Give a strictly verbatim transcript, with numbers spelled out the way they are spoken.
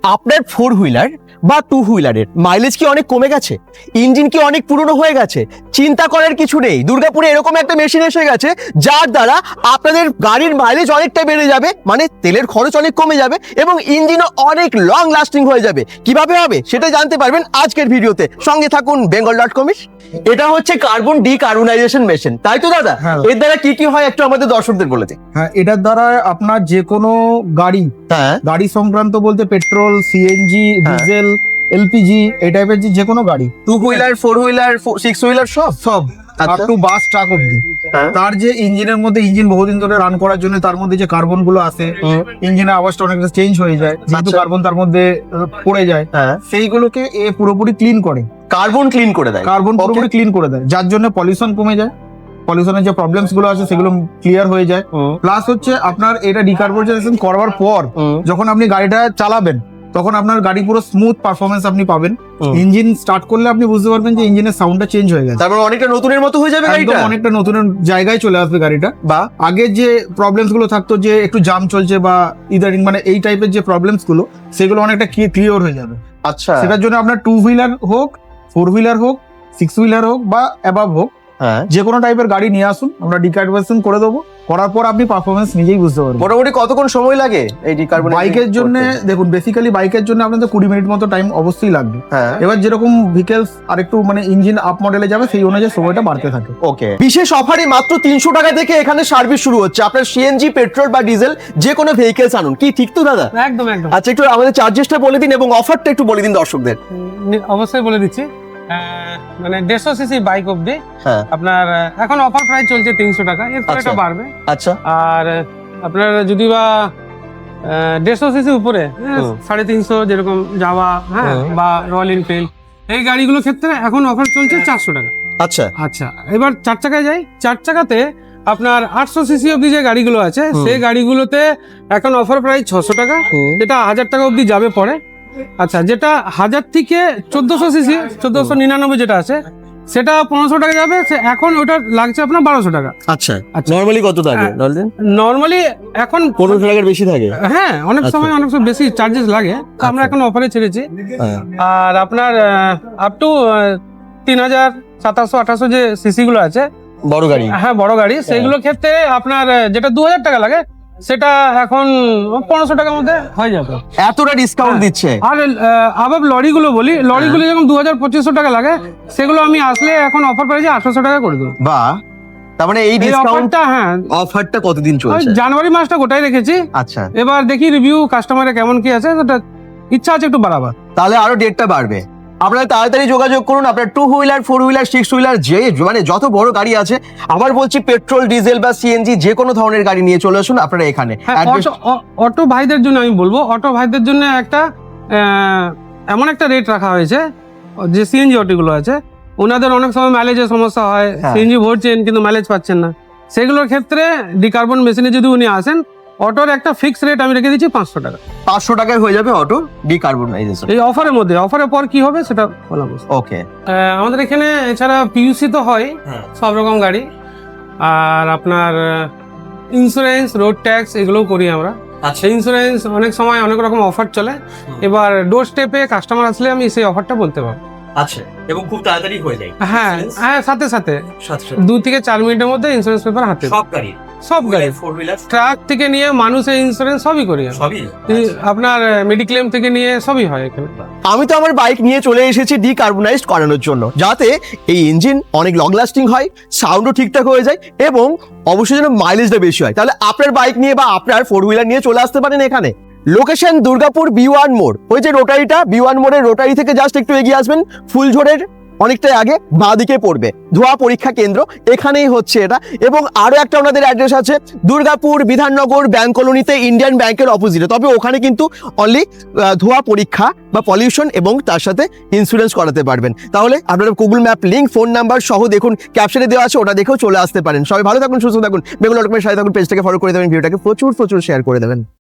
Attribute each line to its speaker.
Speaker 1: আপনার four wheeler বা two হুইলারের মাইলেজ কি অনেক কমে গেছে, ইঞ্জিন কি অনেক পুরনো হয়ে গেছে? চিন্তা করার কিছু নেই, দুর্গাপুরে এরকম একটা মেশিন এসে গেছে যার দ্বারা আপনাদের গাড়ির মাইলেজ অনেকটা বেড়ে যাবে, মানে তেলের খরচ অনেক কমে যাবে এবং ইঞ্জিনও অনেক লং লাস্টিং হয়ে যাবে। কিভাবে হবে সেটা জানতে পারবেন আজকের ভিডিওতে, সঙ্গে থাকুন বেঙ্গল ডট কম। এটা হচ্ছে কার্বন ডিকার্বনাইজেশন মেশিন, তাই তো দাদা?
Speaker 2: হ্যাঁ।
Speaker 1: এর দ্বারা কি কি হয় একটু আমাদের দর্শকদের বলে দিন।
Speaker 2: হ্যাঁ, এটার দ্বারা আপনার যে কোনো গাড়ি
Speaker 1: হ্যাঁ
Speaker 2: গাড়ি সংক্রান্ত বলতে পেট্রোল, সিএনজি,
Speaker 1: হ্যাঁ।
Speaker 2: ডিজেল, এলপিজি এই টাইপের যে কোনো গাড়ি,
Speaker 1: two wheeler, four wheeler, six wheeler সব
Speaker 2: সব আপ
Speaker 1: আচ্ছা।
Speaker 2: টু বাস ট্রাক অব্দি,
Speaker 1: হ্যাঁ।
Speaker 2: তার যে ইঞ্জিনের মধ্যে ইঞ্জিন বহুদিন ধরে রান করার জন্য তার মধ্যে যে কার্বন গুলো আসে,
Speaker 1: হুম।
Speaker 2: ইঞ্জিনের আওয়াজটা অনেকটা চেঞ্জ হয়ে যায় যেহেতু
Speaker 1: আচ্ছা।
Speaker 2: কার্বন তার মধ্যে আহ, পড়ে যায়,
Speaker 1: হ্যাঁ,
Speaker 2: সেইগুলোকে এ পুরোপুরি ক্লিন করে,
Speaker 1: কার্বন ক্লিন করে দেয়।
Speaker 2: Carbon
Speaker 1: Okay.
Speaker 2: পুরোপুরি ক্লিন করে দেয়, যার জন্য পলিউশন কমে যায়, পলিউশনের যে প্রবলেমস গুলো আছে সেগুলো ক্লিয়ার হয়ে যায়।
Speaker 1: হুম,
Speaker 2: প্লাস হচ্ছে আপনার এটা ডিকার্বনাইজেশন করার পর
Speaker 1: হুম,
Speaker 2: যখন আপনি গাড়িটা চালাবেন তখন আপনার গাড়ি পুরো স্মুথ পারফরমেন্স আপনি পাবেন।
Speaker 1: হুম।
Speaker 2: ইঞ্জিন স্টার্ট করলে আপনি বুঝতে পারবেন যে ইঞ্জিনের সাউন্ডটা চেঞ্জ হয়ে গেছে,
Speaker 1: তারপর অনেকটা নতুনের মতো হয়ে যাবে
Speaker 2: একদম
Speaker 1: গাড়িটা।
Speaker 2: অনেকটা নতুন জায়গায় চলে আসবে গাড়িটা।
Speaker 1: বা
Speaker 2: আগে যে প্রবলেমস গুলো থাকতো যে একটু জাম চলছে বা ইদারিং মানে এই টাইপের যে প্রবলেমস গুলো সেগুলো অনেকটা ক্লিয়ার হয়ে যাবে।
Speaker 1: আচ্ছা,
Speaker 2: সেটার জন্য আপনার টু হুইলার হোক, ফোর হুইলার হোক, সিক্স হুইলার হোক বা অ্যাবাভ হোক,
Speaker 1: হ্যাঁ।
Speaker 2: যে কোনো টাইপের গাড়ি নিয়ে আসুন, আমরা ডিকার্বনাইজেশন করে দেবো। করার পর আপনি পারফরমেন্স নিজেই বুঝতে পারবেন।
Speaker 1: মোটামুটি কতক্ষণ সময় লাগে এই ডিকার্বনাইজেশন?
Speaker 2: বাইকের জন্য দেখুন, বেসিক্যালি বাইকের জন্য আপনাদের কুড়ি মিনিট মতো টাইম অবশ্যই লাগবে।
Speaker 1: হ্যাঁ,
Speaker 2: এবার যেরকম ভেহিকলস আর একটু মানে ইঞ্জিন আপ মডেলে যাবে সেই অনুযায়ী সময়টা বাড়তে থাকে।
Speaker 1: ওকে। বিশেষ অফারে মাত্র তিনশো টাকা থেকে এখানে সার্ভিস শুরু হচ্ছে। আপনার সিএনজি, পেট্রোল বা ডিজেল যে কোনো ভেহিকলস আনুন, কি ঠিক তো দাদা?
Speaker 3: একদম একদম
Speaker 1: আচ্ছা, একটু আমাদের চার্জেসটা বলে দিন এবং অফারটা একটু বলে দিন দর্শকদের।
Speaker 3: নি- অবশ্যই বলে দিচ্ছি। আহ, মানে দেড়শো সিসি বাইক অব্দি
Speaker 1: হ্যাঁ,
Speaker 3: আপনার আহ, এখন অফার প্রাইস চলছে তিনশো টাকা, এরপর
Speaker 1: আচ্ছা।
Speaker 3: এটা বাড়বে।
Speaker 1: আচ্ছা,
Speaker 3: আর আহ, আপনার যদি বা দেড়শো সিসি উপরে হ্যাঁ,
Speaker 1: হুম।
Speaker 3: সাড়ে তিনশো যেরকম যাওয়া হ্যাঁ
Speaker 1: হুম।
Speaker 3: বা রয়্যাল এনফিল্ড এই গাড়িগুলোর ক্ষেত্রে এখন অফার চলছে চারশো টাকা।
Speaker 1: আচ্ছা,
Speaker 3: আচ্ছা, এবার চার চাকায় যাই। চার চাকাতে আপনার আটশো সিসি অব্দি যে গাড়িগুলো আছে
Speaker 1: হুম।
Speaker 3: সেই গাড়িগুলোতে এখন অফার প্রাইস ছশো টাকা,
Speaker 1: হুম।
Speaker 3: যেটা হাজার টাকা অব্দি যাবে পরে। আচ্ছা, যেটা হাজার থেকে চোদ্দশো সিসি, চোদ্দশো নিরানব্বই যেটা আছে সেটা পনেরোশো টাকা যাবে, সে এখন ওটা লাগছে আপনার বারোশো টাকা।
Speaker 1: আচ্ছা।
Speaker 3: আচ্ছা।
Speaker 1: নরমালি কত থাকে?
Speaker 3: হ্যাঁ। নর্মালি এখন
Speaker 1: পনেরোশো টাকার বেশি থাকে।
Speaker 3: হ্যাঁ অনেক
Speaker 1: আচ্ছা।
Speaker 3: সময় অনেক সময় বেশি চার্জেস লাগে, তো আমরা
Speaker 1: আচ্ছা।
Speaker 3: এখন অফারে ছেড়েছি।
Speaker 1: হ্যাঁ,
Speaker 3: আর আপনার আপ টু তিন হাজার সাতাশশো আঠাশশো যে সিসি গুলো আছে,
Speaker 1: বড় গাড়ি।
Speaker 3: হ্যাঁ বড় গাড়ি, সেইগুলোর ক্ষেত্রে আপনার আহ, যেটা দু হাজার টাকা লাগে সেটা এখন পনেরোশো টাকার মধ্যে হয়ে যাবে।
Speaker 1: এতটা ডিসকাউন্ট
Speaker 3: হ্যাঁ।
Speaker 1: দিচ্ছে।
Speaker 3: আর আবার লরিগুলো বলি, লরিগুলো যেমন দু হাজার পঁচিশশো টাকা লাগে সেগুলো আমি আসলে এখন অফার প্রাইসে আঠারোশো টাকা করে দেবো।
Speaker 1: বা তার মানে এই
Speaker 3: এই
Speaker 1: ডিসকাউন্ট
Speaker 3: অফারটা হ্যাঁ
Speaker 1: অফারটা কতদিন
Speaker 3: ওই
Speaker 1: চলছে?
Speaker 3: জানুয়ারি মাসটা গোটাই রেখেছি।
Speaker 1: আচ্ছা,
Speaker 3: এবার দেখি রিভিউ কাস্টমারের কেমন কি আছে, সেটা ইচ্ছা আছে একটু বাড়াবার।
Speaker 1: তাহলে আরো ডেটটা বাড়বে। আপনারা তাড়াতাড়ি যোগাযোগ করুন। আপনার two wheeler, four wheeler, six wheeler যে মানে যত বড় গাড়ি আছে, আবার বলছি পেট্রোল, ডিজেল বা সিএনজি যে কোনো ধরনের গাড়ি নিয়ে চলে আসুন আপনারা এখানে।
Speaker 3: হ্যাঁ,
Speaker 1: Address-
Speaker 3: অটো অ- অটো ভাইদের জন্য আমি বলবো, অটো ভাইদের জন্য একটা আহ, এমন একটা রেট রাখা হয়েছে, যে সিএনজি অটোগুলো আছে ওনাদের অনেক সময় মাইলেজের সমস্যা হয়,
Speaker 1: হ্যাঁ।
Speaker 3: সিএনজি ভরছেন কিন্তু মাইলেজ পাচ্ছেন না, সেগুলোর ক্ষেত্রে ডিকার্বন মেশিনে যদি উনি আসেন, অটোর একটা ফিক্স রেট আমি রেখে দিচ্ছি পাঁচশো টাকা
Speaker 1: পাঁচশো টাকায় হয়ে যাবে অটো ডিকার্বনাইজেশন।
Speaker 3: এই অফারের মধ্যে। অফারের পর কি হবে সেটা বললাম।
Speaker 1: ওকে।
Speaker 3: আমাদের এখানে এছাড়া পিইউসি তো হয়
Speaker 1: হ্যাঁ।
Speaker 3: সব রকম গাড়ি, আর আপনার ইন্স্যুরেন্স, রোড ট্যাক্স এগুলোও করি আমরা।
Speaker 1: আচ্ছা,
Speaker 3: সেই ইন্স্যুরেন্স অনেক সময় অনেক রকম অফার চলে, এবার ডোর স্টেপে কাস্টমার আসলে আমি সেই অফারটা বলতে পারবো।
Speaker 1: আচ্ছা, এবং খুব তাড়াতাড়ি হয়ে যায়।
Speaker 3: হ্যাঁ হ্যাঁ, সাথে সাথে
Speaker 1: সাতশো
Speaker 3: দু থেকে চার মিনিটের মধ্যে ইন্স্যুরেন্স পেপার হাতে।
Speaker 1: সব গাড়ি,
Speaker 3: সব গাড়ি,
Speaker 1: ফোর হুইলার
Speaker 3: ট্রাক থেকে নিয়ে মানুষের ইন্স্যুরেন্স সবই করি আমি।
Speaker 1: সবই।
Speaker 3: এই আপনার মেডিক্লেম থেকে নিয়ে সবই হয় এখানে।
Speaker 1: আমি তো আমার বাইক নিয়ে চলে এসেছি ডিকার্বনাইজড করানোর জন্য, যাতে এই ইঞ্জিন অনেক লং লাস্টিং হয়, সাউন্ডও ঠিকঠাক হয়ে যায় এবং অবশ্যই যেন মাইলেজটা বেশি হয়। তাহলে আপনার বাইক নিয়ে বা আপনার ফোর হুইলার নিয়ে চলে আসতে পারেন এখানে। লোকেশন দুর্গাপুর বি ওয়ান মোড়, ওই যে রোটারিটা, বি ওয়ান মোড়ের রোটারি থেকে জাস্ট একটু এগিয়ে আসবেন, ফুলঝোড়ের অনেকটাই আগে বাঁ দিকে পড়বে ধোয়া পরীক্ষা কেন্দ্র, এখানেই হচ্ছে এটা। এবং আরো একটা ওনাদের অ্যাড্রেস আছে দুর্গাপুর বিধাননগর ব্যাংক কলোনিতে, ইন্ডিয়ান ব্যাংকের অপোজিটে। তবে ওখানে কিন্তু অনলি ধোয়া পরীক্ষা বা পলিউশন এবং তার সাথে ইন্স্যুরেন্স করাতে পারবেন। তাহলে আপনারা Google map link, phone number সহ দেখুন ক্যাপশনে দেওয়া আছে, ওটা দেখেও চলে আসতে পারেন। সবাই ভালো থাকুন, সুস্থ থাকুন, বেঙ্গল ডট কমের সাথে থাকুন, পেজটাকে ফলো করে দেবেন, ভিডিওটাকে প্রচুর প্রচুর শেয়ার করে দেবেন।